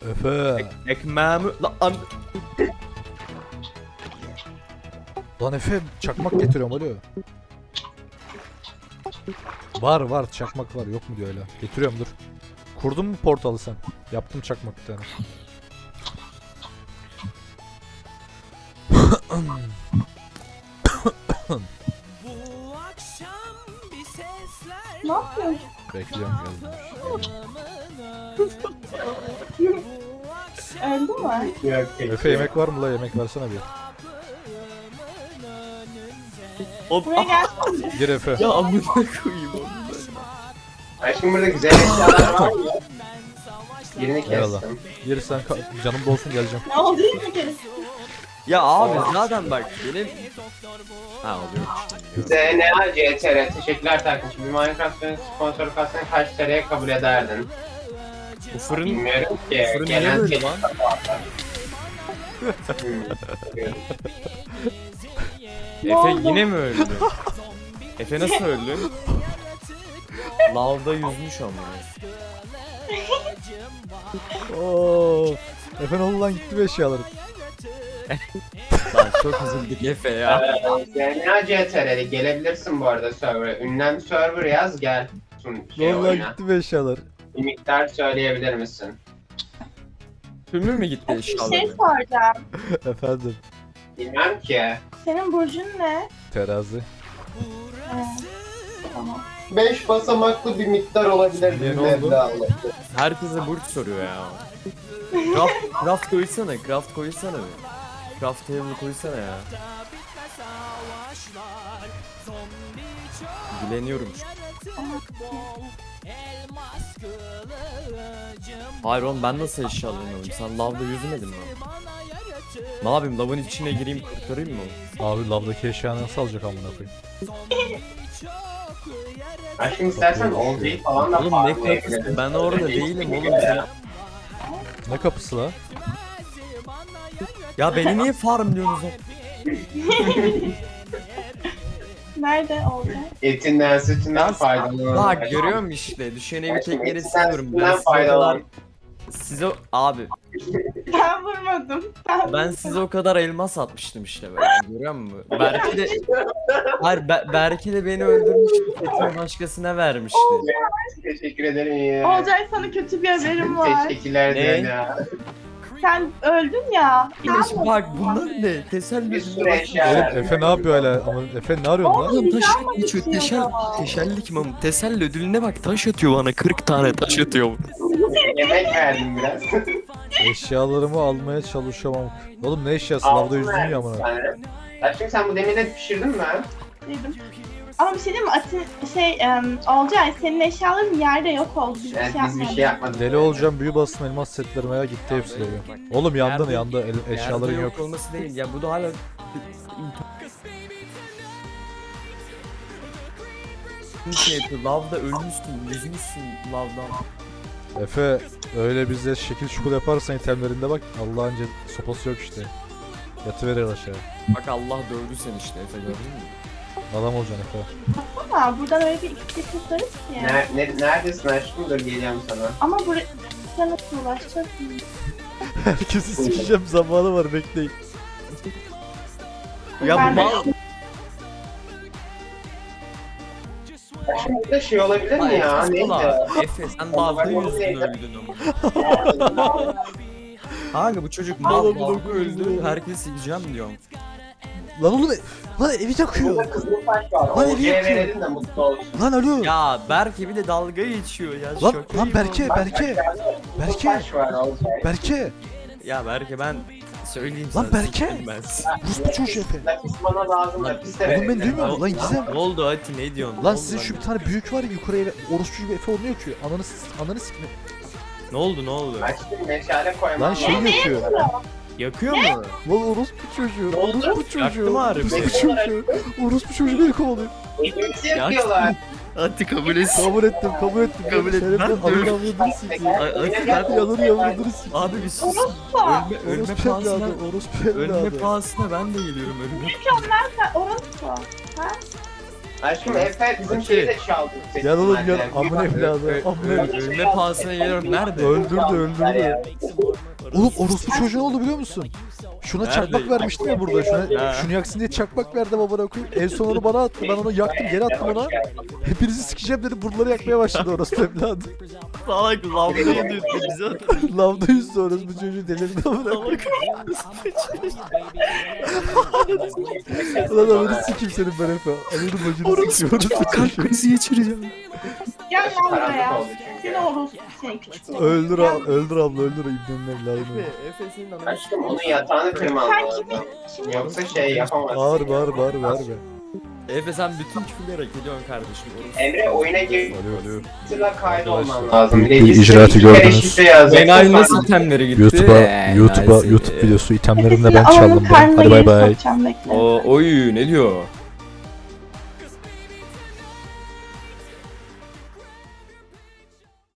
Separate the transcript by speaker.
Speaker 1: Efe.
Speaker 2: Ekmeğimi...
Speaker 1: Lan Efe çakmak getiriyorum alo. Var çakmak var yok mu diyor öyle. Getiriyorum dur. Kurdun mu portalı sen? Yaptım çakmak bir tane.
Speaker 3: Ne yapıyorsun?
Speaker 1: Bekliyorum geldim.
Speaker 3: Öldü mü?
Speaker 4: Yok
Speaker 1: Efe yemek var mı la yemek versene bir.
Speaker 3: Buraya gelsene.
Speaker 1: Gir Efe.
Speaker 2: Ya amına koyayım onu.
Speaker 4: Aşkım burada güzel eşyalar var mı? Birini
Speaker 1: Eyvallah.
Speaker 4: kestim.
Speaker 1: Gir sen canım dolsun geleceğim.
Speaker 3: Ne oldu bir kere?
Speaker 2: Ya abi zaten bak benim... Ha oluyor.
Speaker 4: ZNA CTR teşekkürler takmışım. Bir Minecraft sponsoru kalsana kaç TL'ye kabul ederdin?
Speaker 2: Bu fırın...
Speaker 4: Bilmiyorum ki.
Speaker 2: Fırın niye
Speaker 4: Gelen
Speaker 2: böyle
Speaker 4: tek-
Speaker 2: lan?
Speaker 3: Ne
Speaker 2: Efe
Speaker 3: oldu?
Speaker 2: yine mi öldü? Efe nasıl öldü? Lavda yüzmüş ama.
Speaker 1: Oo. Efe ne oldu lan gitti mi eşyalarım?
Speaker 2: Lan çok üzüldük Efe ya.
Speaker 4: ZNA CTR'li gelebilirsin bu arada server'a. Ünlem server yaz gel.
Speaker 1: Ne oldu lan
Speaker 4: Oyuna.
Speaker 1: gitti mi eşyalar?
Speaker 4: Bir miktar söyleyebilir misin?
Speaker 2: Tümür mü gitti
Speaker 3: Bir şey
Speaker 2: eşyaları?
Speaker 3: soracağım.
Speaker 1: Efendim.
Speaker 4: Bilmem ki.
Speaker 3: Senin burcun ne?
Speaker 1: Terazi.
Speaker 3: Tamam.
Speaker 4: 5 basamaklı bir miktar olabilir.
Speaker 1: Niye, ne
Speaker 4: bir
Speaker 1: oldu?
Speaker 4: meblağ olabilir.
Speaker 2: Herkese burç soruyor ya. Craft koysana, craft koysana bir. Craft table koysana ya. Dileniyorum şu. Hayır oğlum ben nasıl eşyalanıyorum? Sen lavda yüzmedin mi? Ne yapayım lavın içine gireyim kurtarayım mı?
Speaker 1: Abi lavdaki eşyanı nasıl alacak amına koyayım?
Speaker 4: Aşkım istersen olcayı falan da
Speaker 2: Oğlum ne
Speaker 4: farmlayabiliriz.
Speaker 2: kapısı? Ben orada değilim oğlum.
Speaker 1: Ne kapısı la?
Speaker 2: Ya beni niye farmlıyorsunuz?
Speaker 3: Nerede olacak?
Speaker 4: Etinden sütünden faydalanalım.
Speaker 2: Bak görüyor musun işte? Düşeni bir tek yere
Speaker 4: Etinden
Speaker 2: siliyorum. Ben
Speaker 4: sütünden
Speaker 2: size o kadar...
Speaker 4: faydalan.
Speaker 2: Size abi
Speaker 3: Ben vurmadım.
Speaker 2: ben size o kadar elmas atmıştım işte böyle. Görüyor musun? Berke de hayır Berke de beni öldürmüştü. Fethiye başkasına vermişti.
Speaker 4: Teşekkür ederim ya.
Speaker 3: Olcay sana kötü bir haberim var.
Speaker 4: Teşekkürler
Speaker 2: Ne?
Speaker 4: ZNA.
Speaker 3: Sen öldün ya.
Speaker 2: İlaç bak bunlar ne? Teselli
Speaker 4: Bir sürü
Speaker 2: bak.
Speaker 4: eşya.
Speaker 1: Oğlum Efe ne yapıyor hala? Ama Efe ne arıyorsun lan?
Speaker 2: Oğlum taş
Speaker 3: Güzel
Speaker 2: geçiyor.
Speaker 3: geçiyor.
Speaker 2: Teşellik mi? Teselli ödülüne bak taş atıyor bana. 40 tane taş atıyor.
Speaker 4: Yemek verdim biraz.
Speaker 1: Eşyalarımı almaya çalışamam. Oğlum ne eşyası? Lavda yüzdün ya amına.
Speaker 4: Aşkım sen bu demirleri pişirdin mi?
Speaker 3: Dedim. Ama bir şey diyeyim mi? Olcay senin eşyaların yerde yok oldu. Biz
Speaker 4: Evet
Speaker 3: bir şey
Speaker 4: biz bir
Speaker 3: yapmadık.
Speaker 4: şey yapmadık.
Speaker 1: Deli olacağım büyü basın elmas setlerime ya gitti hepsi de. Oğlum yandın yandı eşyaların
Speaker 2: Yerde
Speaker 1: yok.
Speaker 2: olması değil. Ya bu da hala şey yapıyor. Lavda ölmüşsün, yüzmüşsün lavdan.
Speaker 1: Efe öyle bize şekil şukul yaparsan itemlerinde bak Allah'ın sopası yok işte. Yatıverir aşağı.
Speaker 2: Bak Allah dövdü seni işte Efe gördün mü?
Speaker 1: Adam olacaksın Efe.
Speaker 3: Ama buradan öyle bir iki tutarız ki.
Speaker 4: Neredesin aşkım? Dur geliyorum sana.
Speaker 3: Ama buraya sen nasıl ulaşacaksın?
Speaker 1: Herkesi sikeceğim zamanı var bekleyin.
Speaker 2: Ya
Speaker 3: Ben
Speaker 2: bu
Speaker 3: de-
Speaker 2: mal...
Speaker 4: Aşkım burada şey olabilir mi ya? Neydi?
Speaker 2: Efe sen lavda yüzdün öldün ama. Kanka bu çocuk mal lavda öldü. Herkes sileceğim diyorum.
Speaker 1: Lan oğlum lan evi yakıyor.
Speaker 4: Burada kızıl taş var.
Speaker 1: Lan evi
Speaker 4: Olcaya
Speaker 1: yakıyor.
Speaker 4: verelim de mutlu olsun.
Speaker 1: Lan alo.
Speaker 2: Ya Berke bir de dalga geçiyor ya.
Speaker 1: Lan,
Speaker 2: şaka
Speaker 1: lan
Speaker 2: gibi
Speaker 1: Berke,
Speaker 2: oldu.
Speaker 1: Berke.
Speaker 4: Kızıl
Speaker 1: Berke.
Speaker 4: taş var Olcay.
Speaker 1: Berke.
Speaker 2: Ya Berke ben söyleyeyim
Speaker 1: Lan
Speaker 2: sana.
Speaker 1: Berke.
Speaker 2: sikeyim Ben.
Speaker 1: Rus bu çocuğu Efe.
Speaker 4: Lapis bana lazım. Lapis de
Speaker 1: Oğlum ben
Speaker 4: verelim.
Speaker 1: duymuyorum lan Gizem.
Speaker 2: Ne oldu Ati ne diyorsun? Ne
Speaker 1: Lan
Speaker 2: oldu
Speaker 1: sizin
Speaker 2: lan?
Speaker 1: şu bir tane büyük var ya yukarıya orospu gibi Efe onu yakıyor. Ananı sikme.
Speaker 2: Ne oldu ne oldu?
Speaker 4: Aşkım meşale koymam
Speaker 1: Lan şey
Speaker 4: lazım.
Speaker 1: yakıyor.
Speaker 2: Yakıyor mu?
Speaker 1: Lan orospu çocuğu. Orospu çocuğu.
Speaker 2: Yaktı mı harbi?
Speaker 1: Orospu çocuğu. Orospu çocuğu beni kovalıyor.
Speaker 4: Elimizi yakıyorlar.
Speaker 2: Ati kabul etsin.
Speaker 1: Kabul ettim, kabul ettim.
Speaker 2: Kabul ettim. Ben de
Speaker 1: Ananı
Speaker 2: öyle-
Speaker 1: avradını sikeyim.
Speaker 2: Ati
Speaker 1: Yanını yavradını sikeyim.
Speaker 2: Abi bir sus.
Speaker 3: Orospu.
Speaker 2: Ölme
Speaker 1: Orospu
Speaker 2: pahasına.
Speaker 1: evladı, orospu
Speaker 2: Ölme
Speaker 1: evladı.
Speaker 2: pahasına ben de geliyorum ölme.
Speaker 3: Sen orospu.
Speaker 4: Aşkım Efe bizim
Speaker 2: Okey.
Speaker 4: şeyi de çaldı.
Speaker 1: Gel oğlum gel.
Speaker 4: Seçimlerden.
Speaker 1: Amına evladı. Amına evladı.
Speaker 2: Ölme pahasına geliyorum. Nerede?
Speaker 1: Öldürdü, öldürdü. Oğlum orospu çocuğu ne oldu biliyor musun? Şuna
Speaker 2: Nerede?
Speaker 1: çakmak vermiştim ya burada.
Speaker 2: Ha.
Speaker 1: Şunu yaksın diye çakmak verdim amına koyayım. En son onu bana attı. Ben onu yaktım geri attım ona. Hepinizi sikeceğim dedim. Buraları yakmaya başladı orospu evladı.
Speaker 2: Salak lavdayı dürttü bize.
Speaker 1: Lavda yüzde orospu çocuğu delirdi amına koyayım. Ulan amına sikeyim senin ben Efe. Ananı bacını sikiyor orospu çocuğu.
Speaker 2: krizi geçireceğim.
Speaker 3: Gel lan buraya. Seni orospu seni küçük.
Speaker 1: Öldür abla öldür İbni'nin evladını.
Speaker 2: Efe senin ananı
Speaker 4: Aşkım onun yatağını kırman
Speaker 3: Sen
Speaker 4: lazım.
Speaker 3: kimin
Speaker 4: Yoksa şey yapamazsın.
Speaker 1: Bağır be.
Speaker 2: Efe sen bütün küfürleri hak ediyorsun kardeşim.
Speaker 4: Emre oyuna girip
Speaker 1: Alo.
Speaker 4: sıra kaydolman lazım.
Speaker 1: Bir icraatı gördünüz.
Speaker 2: Benay nasıl itemleri gitti?
Speaker 1: YouTube videosu itemlerimle ben
Speaker 3: Ananın
Speaker 1: çaldım ben.
Speaker 3: karnına
Speaker 1: Hadi bay
Speaker 3: girip
Speaker 1: bay.
Speaker 3: sokacağım, bekle.
Speaker 2: Oy ne diyor?